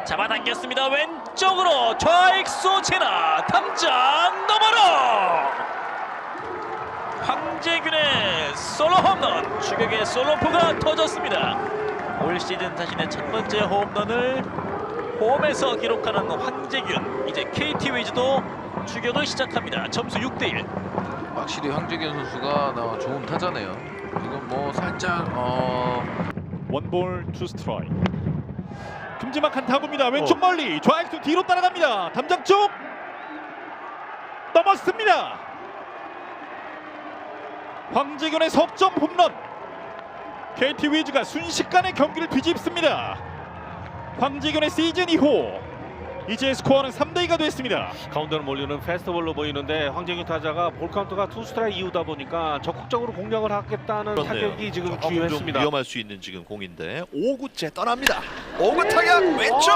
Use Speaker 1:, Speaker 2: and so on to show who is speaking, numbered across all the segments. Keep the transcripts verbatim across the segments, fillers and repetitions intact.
Speaker 1: 잡아당겼습니다. 왼쪽으로 좌익수 지나 담장 너머로 황재균의 솔로 홈런, 추격의 솔로포가 터졌습니다. 올 시즌 자신의 첫 번째 홈런을 홈에서 기록하는 황재균. 이제 케이티 위즈도 추격을 시작합니다. 점수 육 대 일.
Speaker 2: 확실히 황재균 선수가 나 좋은 타자네요. 지금 뭐 살짝 어
Speaker 3: 원볼 투 스트라이크. 큼지막한 타구입니다. 왼쪽 어. 멀리 좌익수 뒤로 따라갑니다. 담장 쪽 넘었습니다. 황재균의 석점 홈런. 케이티 위즈가 순식간에 경기를 뒤집습니다. 황재균의 시즌 이 호. 이제 스코어는 삼 대 이가 됐습니다.
Speaker 4: 가운데로 몰리는 페스티벌로 보이는데 황재균 타자가 볼 카운트가 투 스트라이크 이후다 보니까 적극적으로 공략을 하겠다는
Speaker 5: 그렇네요.
Speaker 4: 타격이 지금
Speaker 5: 조금
Speaker 4: 주요했습니다.
Speaker 5: 좀 위험할 수 있는 지금 공인데 오 구째 떠납니다. 오 구 타격 왼쪽.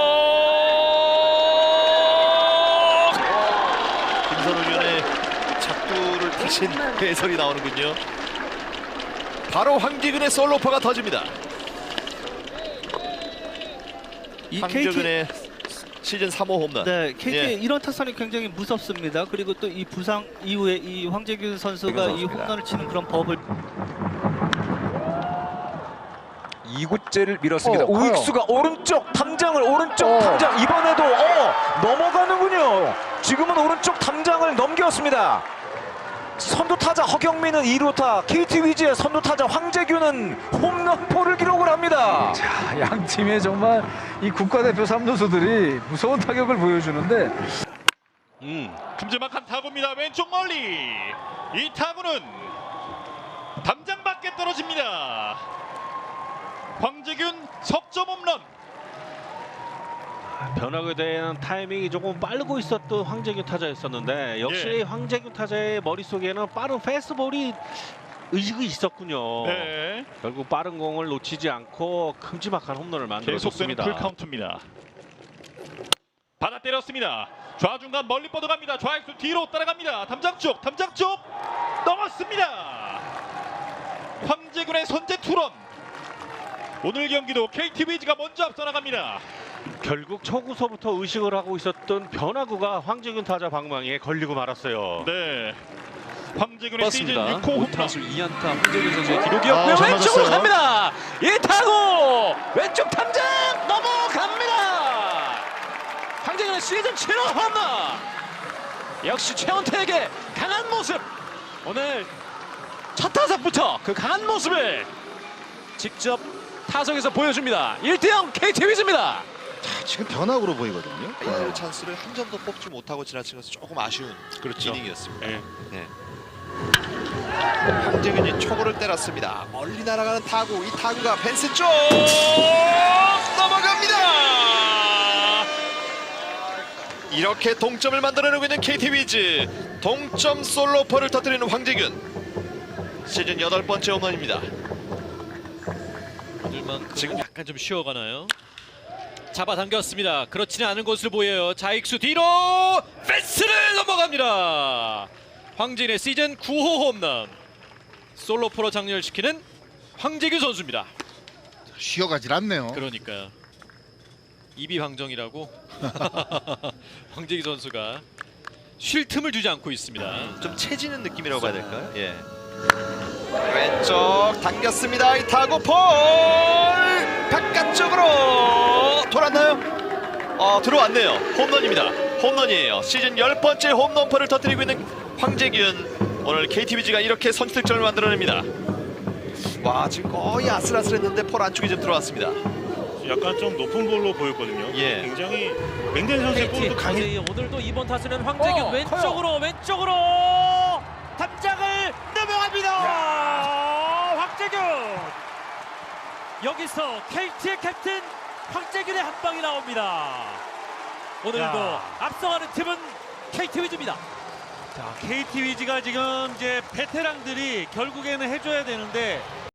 Speaker 5: 김선우 위원의 작두를 타신 해설이 나오는군요. 바로 황재균의 솔로퍼가 터집니다.
Speaker 6: 이
Speaker 5: 황재균의 시즌 삼 호 홈런.
Speaker 6: 네, 케이티
Speaker 5: 예.
Speaker 6: 이런 타선이 굉장히 무섭습니다. 그리고 또 이 부상 이후에 이 황재균 선수가 이 홈런을 치는 그런 법을
Speaker 7: 이 구째를 밀었습니다.
Speaker 8: 어,
Speaker 7: 우익수가 오른쪽 담장을 오른쪽
Speaker 8: 어.
Speaker 7: 담장 이번에도 어 넘어가는군요. 지금은 오른쪽 담장을 넘겼습니다. 선두 타자 허경민은 이 루타, 케이티 위즈의 선두 타자 황재균은 홈런포를 기록을 합니다.
Speaker 8: 자, 양 팀의 정말 이 국가대표 삼 루수들이 무서운 타격을 보여주는데
Speaker 4: 음.
Speaker 3: 큼지막한 타구입니다. 왼쪽 멀리. 이 타구는 담장 밖에 떨어집니다. 황재균 석점 홈런.
Speaker 4: 변화에 대한 타이밍이 조금 빠르고 있었던 황재균 타자였었는데 역시
Speaker 3: 예.
Speaker 4: 황재균 타자의 머릿속에는 빠른 패스트볼이 의식이 있었군요.
Speaker 3: 네.
Speaker 4: 결국 빠른 공을 놓치지 않고 큼지막한 홈런을
Speaker 3: 계속되는
Speaker 4: 만들어줬습니다.
Speaker 3: 풀 카운트입니다. 받아 때렸습니다. 좌중간 멀리 뻗어갑니다. 좌익수 뒤로 따라갑니다. 담장 쪽, 담장 쪽 넘었습니다. 황재균의 선제 투런. 오늘 경기도 케이티 위즈가 먼저 앞서 나갑니다.
Speaker 4: 결국 초구서부터 의식을 하고 있었던 변화구가 황재균 타자 방망이에 걸리고 말았어요.
Speaker 3: 네. 황재균의 시즌
Speaker 2: 맞습니다.
Speaker 3: 육 호 홈런.
Speaker 2: 타수 이 안타 황재균 선수의
Speaker 1: 기록이었고요.
Speaker 5: 아, 잘
Speaker 1: 왼쪽으로
Speaker 5: 맞았어요.
Speaker 1: 갑니다. 이 타구 왼쪽 담장 넘어갑니다. 황재균의 시즌 칠 호 홈런. 역시 최원태에게 강한 모습. 오늘 첫 타석부터 그 강한 모습을 직접 타석에서 보여줍니다. 일 대 영 케이티 위즈입니다.
Speaker 5: 지금 변화구로 보이거든요. 이 찬스를 한 점도 뽑지 못하고 지나친 것은 조금 아쉬운
Speaker 4: 그렇죠.
Speaker 5: 이닝이었습니다.
Speaker 4: 네.
Speaker 5: 네. 황재균이 초구를 때렸습니다. 멀리 날아가는 타구. 이 타구가 펜스 쪽 넘어갑니다. 이렇게 동점을 만들어내고 있는 케이티 위즈. 동점 솔로포를 터뜨리는 황재균. 시즌 여덟 번째 홈런입니다.
Speaker 1: 오늘만큼 지금 약간 좀 쉬어가나요? 잡아당겼습니다. 그렇지는 않은 것으로 보여요. 좌익수 뒤로 펜스를 넘어갑니다. 황진의 시즌 구 호 홈런. 솔로포로 장렬시키는 황재균 선수입니다.
Speaker 9: 쉬어가질 않네요.
Speaker 1: 그러니까요. 입이 방정이라고 황재균 선수가 쉴 틈을 주지 않고 있습니다.
Speaker 5: 좀 채지는 느낌이라고 봐야 될까요? 예. 왼쪽 당겼습니다. 이 타구 볼 바깥쪽으로 돌았나요? 어 들어왔네요. 홈런입니다. 홈런이에요. 시즌 열 번째 홈런포를 터뜨리고 있는 황재균. 오늘 케이티 위즈가 이렇게 선취득점을 만들어냅니다. 와 지금 거의 아슬아슬했는데 폴 안쪽에 좀 들어왔습니다.
Speaker 10: 약간 좀 높은 볼로 보였거든요.
Speaker 5: 예.
Speaker 10: 굉장히 맹된 선수의 볼도 강해.
Speaker 1: 오늘도 이번 타수는 황재균
Speaker 8: 어,
Speaker 1: 왼쪽으로 커요. 왼쪽으로 담장을 넘어갑니다. 황재균. 여기서 케이티의 캡틴 황재균의 한 방이 나옵니다. 오늘도
Speaker 10: 야.
Speaker 1: 앞서가는 팀은 케이티 위즈입니다.
Speaker 10: 자, 케이티 위즈가 지금 이제 베테랑들이 결국에는 해줘야 되는데